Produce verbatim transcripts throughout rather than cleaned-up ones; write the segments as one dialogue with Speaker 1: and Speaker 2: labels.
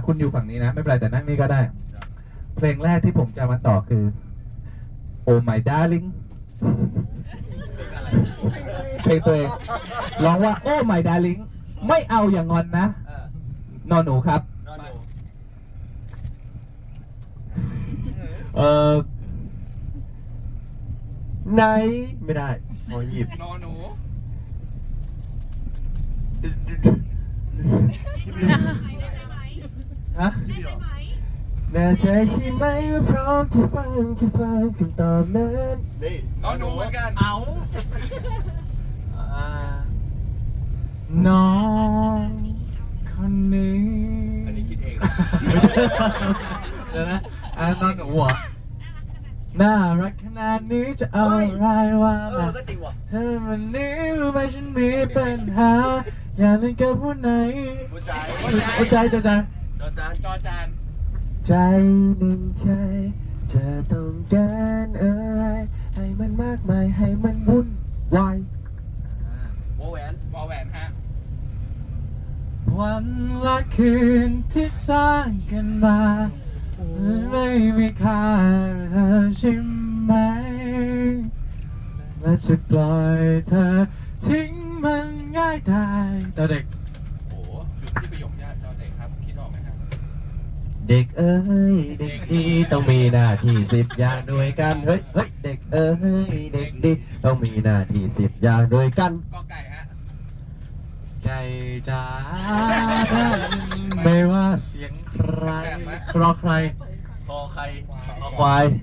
Speaker 1: คุณอยู่ฝั่งนี้นะไม่เป็นไรแต่นั่งนี่ก็ได้เพลงแรกที่ผมจะมาต่อคือ Oh My Darling เพลงตัวเองร้องว่า Oh My Darling ไม่เอาอย่างงอนนะนอนหนูครับ
Speaker 2: เออไหนไม่ได้พอหยิบ
Speaker 3: นอนหนู
Speaker 2: ฮะแน่ใจใช่ไหมว่าพร้อมจะฟังจะฟังคำตอบนั้นนี่
Speaker 3: นอนหนูเหมือนกัน
Speaker 1: เอาน้องคนนี้
Speaker 2: อันนี้คิดเอง
Speaker 1: เดี๋ยวนะอ่านอนหนูอ่ะน่ารักขนาดนี้จะเอาอะไรวะมาเธอวันนี้รู้ไหมฉันมีปัญหาอยากเล่นกับผู้ไหน
Speaker 2: หัวใจ
Speaker 1: หัวใจจอจาน
Speaker 3: จอจานจอจาน
Speaker 2: ใจหนึ่งใจจะต้องการอะไรให้มันมากมายให้มันวุ่นวายวอแหวน
Speaker 3: วอแหวนฮะ
Speaker 1: วันละคืนที่สร้างกันมาไม่มีค่าเธอใช่ไหมและจะปล่อยเธอทิ้งมันง่ายได้ตอนเด็ก
Speaker 3: โอ้หยุดที่ประโยคยากตอนเด็กครับคิดออกไหมครับ
Speaker 2: เด็กเอ้ยเด็กดีต้องมีหน้าที่สิบอย่างด้วยกันเฮ้ยเฮ้ยเด็กเอ้ยเด็กดีต้องมีหน้าที่สิบอย่างด้วยกัน
Speaker 3: ก็ไก่ฮะ
Speaker 1: ไก่จ๋าไม่ว่าเสียงใครรอใคร
Speaker 2: คอใครคอควาย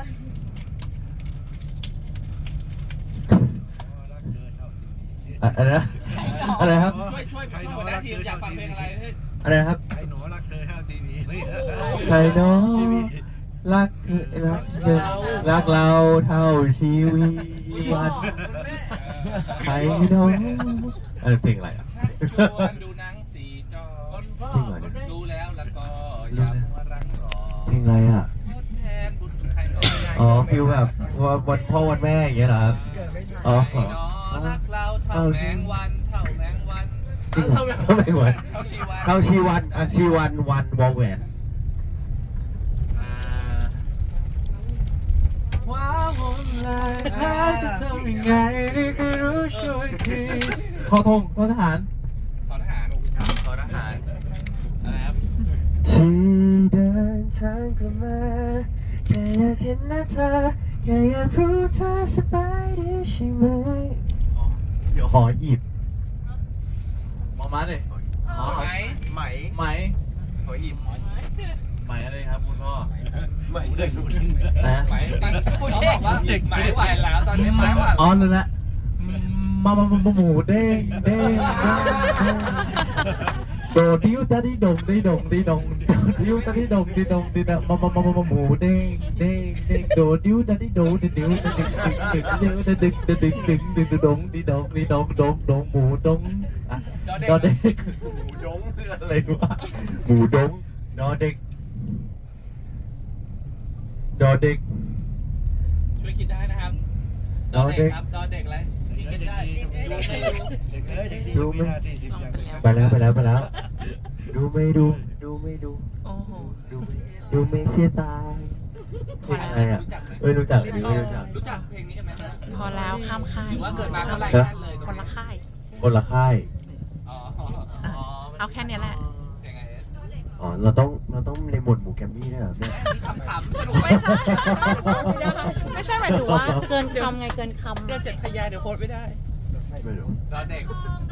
Speaker 2: อะไรนะอะไรครับ
Speaker 3: ช่วยช่วยช่วยหัวหน้าทีมอยากฟังเพลงอะไร
Speaker 2: อะไรครับ
Speaker 4: ใครหนูรักเธอเท่าทีวี
Speaker 2: ใครน้องรักรักเธอรักเราเท่าชีวิตวันใครน้องอะไรเพลงอะไรอ่ะ
Speaker 3: ชวนดูหนังสีจอ
Speaker 2: จริงเหรอ
Speaker 3: ดูแล้วแล้วก็อย่ามัวรั้งรอ
Speaker 2: เพลงอะไรอ่ะ
Speaker 3: แทนบุญใครก็ไม่
Speaker 2: อ๋อฟิลแบบวันพ่อวันแม่อย่างเงี้ยเหรอครับอ๋อ
Speaker 3: รักเราเท่าแมงวันเท่าแมงวัน
Speaker 2: เท่าแมงวันเท่าชีวันเท่าชีวันอ่ะชีวันวันวอลแหวน
Speaker 1: ว้าวผมเลยจะทำยังไงนี่คือรู้ช่วยทีขอทงทหาร
Speaker 3: ทหาร
Speaker 2: ทหาร
Speaker 3: อะไรครับ
Speaker 2: ที่เดินทางกลับมาแค่อยากเห็นหน้าเธอแค่อยากรู้เธอสบายดีใช่ไหมเดี๋ยวขอหยิบ
Speaker 1: มองมาดิ
Speaker 3: ไหม
Speaker 2: ไหม
Speaker 1: ไหม
Speaker 2: ขอหยิบ
Speaker 1: ไหมอะไรครับคุณพ่อ
Speaker 2: ไหมเด็ก
Speaker 1: นะ
Speaker 3: ไหมคุณพ่อบอกว่าเด็กไหมไหวแล้วตอนนี้ไหมว่า
Speaker 1: อ๋อนั่นแหละมามามาหมูเด้งเด้งโดดิ้วตาดิดงดิดงดิดงดิ้วตาดิดงดิดงดิดงมามามามาหมูเด้งเด้งเด้งโดดิ้วตาดิโดดิดิ้วตาดิดึงดึงดึงดึงดึงดึงดึงดึงดงดิดงดิดงดงดงหมูดงดอเด็ก
Speaker 2: หมูดงคืออะไรวะหมูดงดอเด็กดอเด็ก
Speaker 3: ช่วยคิดได้นะครับดอเด็กครับดอเด็กอะไรคิดได้
Speaker 2: ดูไม่ไปแล้วไปแล้วไปแล้วดูไม่ดูดูไม่ดูดูดูไม่เสียตายเพลงอะไรอ่ะไม่รู้จักไม่รู้จัก
Speaker 3: รู้จักเพลงนี้กันไหม
Speaker 5: พอแล้วข้ามค่าย
Speaker 3: หรือว่าเกิดมาเท่าไหร่นั่นเลย
Speaker 5: คนละค่าย
Speaker 2: คนละค่าย
Speaker 5: เอาแค่นี้แหละ
Speaker 2: อ๋อเราต้องเราต้องในหมวดหมู่แกมมี่ด้วยเหรอเนี่ย
Speaker 3: ขำๆสนุกไม่ใช่
Speaker 5: ไม่ใช่หมายถึงว่าเกินคำไงเกินคำ
Speaker 3: เกินเจ็ดพยางค์เดี๋ยวโพสไม่ได้
Speaker 2: ไม่รู้
Speaker 3: รอเด็ก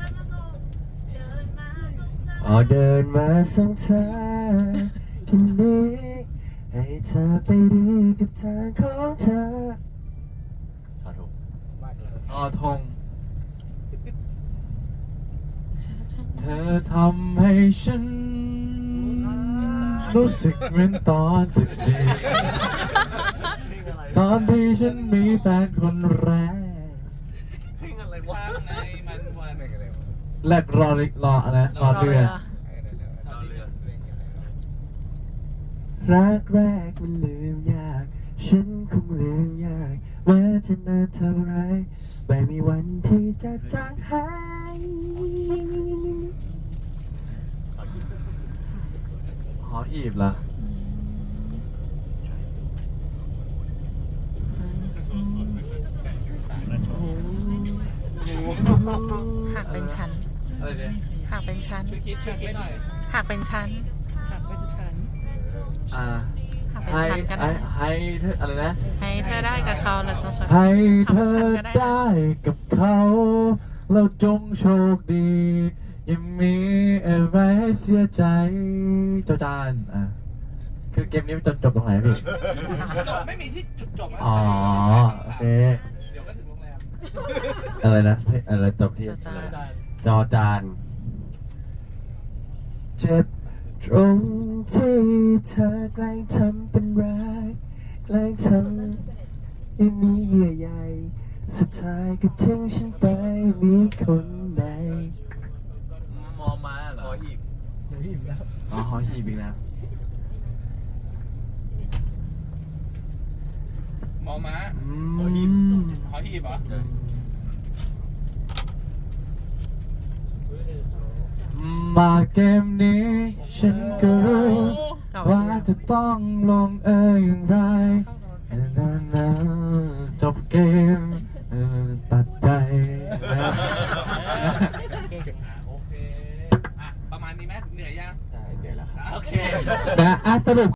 Speaker 2: อ๋อเดินมาส่งเธอที่นี่ให้เธอไปดีกับทางของเธอทอทง
Speaker 1: ทอทงเธอทำให้ฉันรู้สึกเหมือนตอนสิบสี่ตอนที่ฉันมีแฟนคนแรกแรกรอรออะไรรอเรือ
Speaker 2: รักแรกมันลืมยากฉันคงลืมยากว่าจะนานเท่าไรไม่มีวันที่จะจางหาย
Speaker 1: หอหีบเหรอ
Speaker 5: หากเป็นชั้น
Speaker 3: อะไรเนี่ย
Speaker 5: หากเป็นชั้น
Speaker 3: ช่วยคิดช่วยคิดหน่อย
Speaker 5: หากเป็นชั้น
Speaker 1: อ่า
Speaker 5: หากเป็น
Speaker 1: ให้
Speaker 5: ชั้นก็ได้
Speaker 1: ให้ให้เธออะไรนะ
Speaker 5: ให้เธอได้กับเขาแล้วจะชวน
Speaker 1: ให้เธอได้กับเขาแล้วจงโชคดียังมีอะไรให้เสียใจเจ้าจานอ่ะคือเกมนี้มันจบจบตรงไหนพี่
Speaker 3: จบไม่มีที่จุดจบะ
Speaker 1: อ๋อโอเค
Speaker 3: เดี๋ยวก็ถึงโรงแรม
Speaker 2: อะไรนะเฮ้ยอะไรจบที่
Speaker 5: จะจาน
Speaker 2: จอจานเจ็บตรงที่เธอแกล้งทำเป็นร้ายแกล้งทำให้มีเยื่อใยสุดท้ายก็ทิ้งฉันไปมีคนใหม่
Speaker 1: มอมาเหรอ
Speaker 2: หอหีบ
Speaker 1: อ๋อหอหีบอีกแล้ว
Speaker 3: มอม้า
Speaker 1: หอหีบ
Speaker 3: หอหีบเหรอ
Speaker 1: มาเกมนี้ฉันก็รู้ว่าจะต้องลงเอยอย่างไรนานาจบเกมเออตัดใจนะ
Speaker 3: โอเค อ่ะ ประมาณนี้ไหมเหนื่อยยัง
Speaker 2: ใช่เดี๋ยวแล้วครับ
Speaker 3: โอเค
Speaker 2: นะอ่ะสรุป